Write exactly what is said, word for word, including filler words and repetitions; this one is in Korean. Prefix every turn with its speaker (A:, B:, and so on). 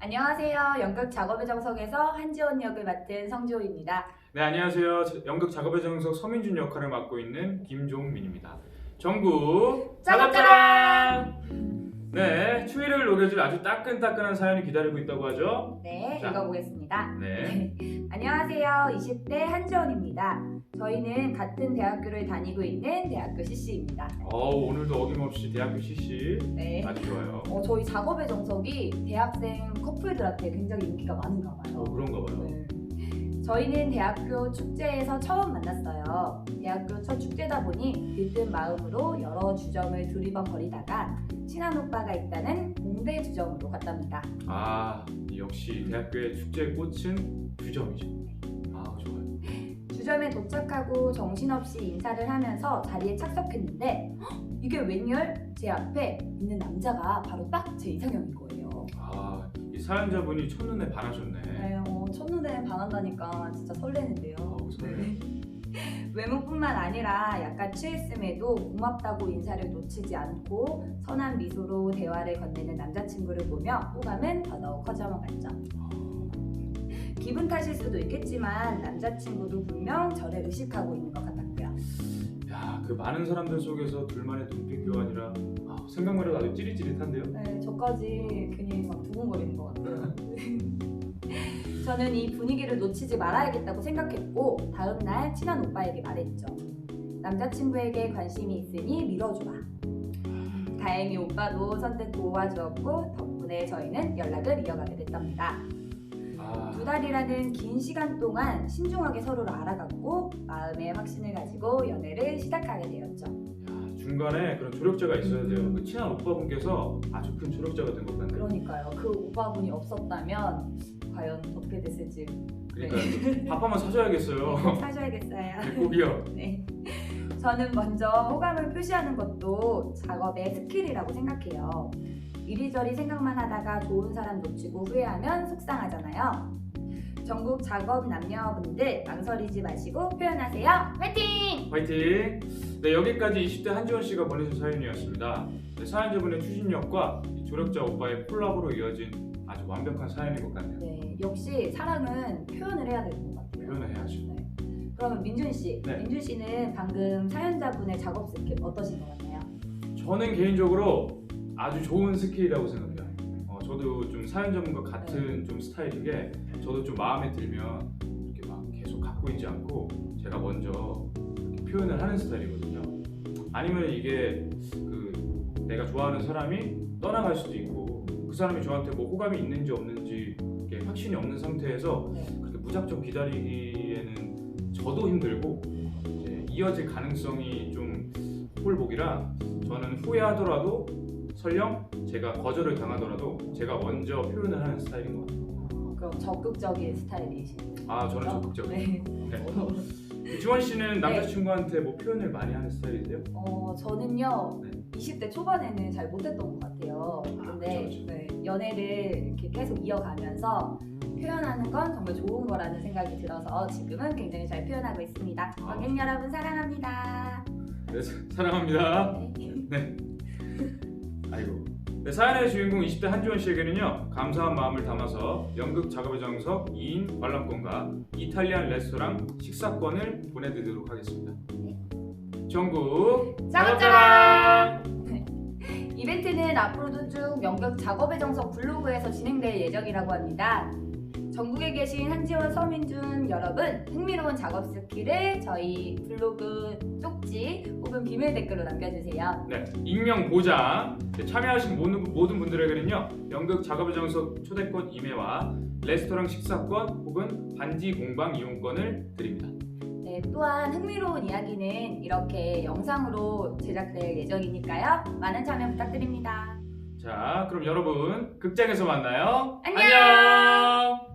A: 안녕하세요. 연극 작업의 정석에서 한지원 역을 맡은 성지호입니다.
B: 네, 안녕하세요. 저- 연극 작업의 정석 서민준 역할을 맡고 있는 김종민입니다. 전국 작업자랑! 네, 추위를 녹여줄 아주 따끈따끈한 사연이 기다리고 있다고 하죠.
A: 네,
B: 자.
A: 읽어보겠습니다.
B: 네.
A: 안녕하세요. 이십 대 한지원입니다. 저희는 같은 대학교를 다니고 있는 대학교 씨씨입니다.
B: 어우, 오늘도 어김없이 대학교 씨씨
A: 네.
B: 아주 좋아요.
A: 어, 저희 작업의 정석이 대학생 커플들한테 굉장히 인기가 많은가 봐요.
B: 어, 그런가 봐요.
A: 네. 저희는 대학교 축제에서 처음 만났어요. 대학교 첫 축제다 보니 들뜬 마음으로 여러 주점을 두리번거리다가 친한 오빠가 있다는 공대 주점으로 갔답니다.
B: 아, 역시 대학교의 축제의 꽃은 주점이죠. 아, 좋아요.
A: 주점에 도착하고 정신없이 인사를 하면서 자리에 착석했는데 헉, 이게 웬열? 제 앞에 있는 남자가 바로 딱 제 이상형인 거예요.
B: 아, 이 사연자분이 첫눈에 반하셨네.
A: 네, 어, 첫눈에 반한다니까 진짜 설레는데요.
B: 어우, 설레요.
A: 외모뿐만 아니라 약간 취했음에도 고맙다고 인사를 놓치지 않고 선한 미소로 대화를 건네는 남자친구를 보며 호감은 더더욱 커져만 갔죠. 기분 탓일 수도 있겠지만 남자친구도 분명 저를 의식하고 있는 것 같았고요.
B: 야, 그 많은 사람들 속에서 둘만의 눈빛 교환이라 아, 생각만 해도 아주 찌릿찌릿한데요.
A: 네, 저까지 괜히 막 두근거리는 것 같아요. 저는 이 분위기를 놓치지 말아야겠다고 생각했고 다음 날 친한 오빠에게 말했죠. 남자친구에게 관심이 있으니 밀어주라. 다행히 오빠도 선뜻 도와주었고 덕분에 저희는 연락을 이어가게 됐답니다.
B: 아,
A: 두 달이라는 긴 시간 동안 신중하게 서로를 알아갔고 마음의 확신을 가지고 연애를 시작하게 되었죠.
B: 야, 중간에 그런 조력자가 있어야 돼요. 그 친한 오빠분께서 아주 큰 조력자가 된 것 같네요.
A: 그러니까요. 그 오빠분이 없었다면 과연 어떻게 됐을지
B: 그러니까 밥 한번 사줘야겠어요.
A: 사셔야겠어요.
B: 꼭이요.
A: 네. 저는 먼저 호감을 표시하는 것도 작업의 스킬이라고 생각해요. 이리저리 생각만 하다가 좋은 사람 놓치고 후회하면 속상하잖아요. 전국 작업 남녀분들 망설이지 마시고 표현하세요. 화이팅!
B: 화이팅! 네, 여기까지 이십 대 한지원 씨가 보내준 사연이었습니다. 네, 사연자분의 추진력과 이 조력자 오빠의 콜라보로 이어진 아주 완벽한 사연인 것 같네요.
A: 네, 역시 사랑은 표현을 해야 되는 것 같아요.
B: 표현을 해야죠.
A: 네. 그러면 민준 씨,
B: 네.
A: 민준 씨는 방금 사연자분의 작업 스킬 어떠신 것 같나요?
B: 저는 개인적으로 아주 좋은 스킬이라고 생각해요. 어, 저도 좀 사연자분과 같은 좀 스타일인 게 저도 좀 마음에 들면 이렇게 막 계속 갖고 있지 않고 제가 먼저 이렇게 표현을 하는 스타일이거든요. 아니면 이게 그 내가 좋아하는 사람이 떠나갈 수도 있고 그 사람이 저한테 뭐 호감이 있는지 없는지 이렇게 확신이 없는 상태에서
A: 네.
B: 그렇게 무작정 기다리기에는 저도 힘들고 이제 이어질 가능성이 좀 홀복이라 저는 후회하더라도 설령 제가 거절을 당하더라도 제가 먼저 표현을 하는 스타일인 것 같아요.
A: 그럼 적극적인 스타일이시네요.
B: 아, 저는 적극적이에요.
A: 네.
B: 네. 지원 씨는 남자친구한테 뭐 표현을 많이 하는 스타일이세요?
A: 어, 저는요
B: 네.
A: 이십 대 초반에는 잘 못했던 것 같아요. 근데
B: 그쵸, 그쵸.
A: 네, 연애를 이렇게 계속 이어가면서 표현하는 건 정말 좋은 거라는 생각이 들어서 지금은 굉장히 잘 표현하고 있습니다.
B: 아.
A: 관객 여러분 사랑합니다.
B: 네, 사- 사랑합니다. 네. 아이고. 네, 사연의 주인공 이십 대 한지원 씨에게는요 감사한 마음을 담아서 연극 작업의 정석 이 인 관람권과 이탈리안 레스토랑 식사권을 보내드리도록 하겠습니다. 전국
A: 작업자랑! 이벤트는 앞으로도 쭉 연극 작업의 정석 블로그에서 진행될 예정이라고 합니다. 전국에 계신 한지원, 서민준 여러분 흥미로운 작업 스킬을 저희 블로그 쪽지 혹은 비밀 댓글로 남겨주세요.
B: 네, 익명 보장. 네, 참여하신 모든, 모든 분들에게는요 연극 작업의 정석 초대권 임해와 레스토랑 식사권 혹은 반지 공방 이용권을 드립니다.
A: 네, 또한 흥미로운 이야기는 이렇게 영상으로 제작될 예정이니까요. 많은 참여 부탁드립니다.
B: 자, 그럼 여러분 극장에서 만나요.
A: 안녕!
B: 안녕!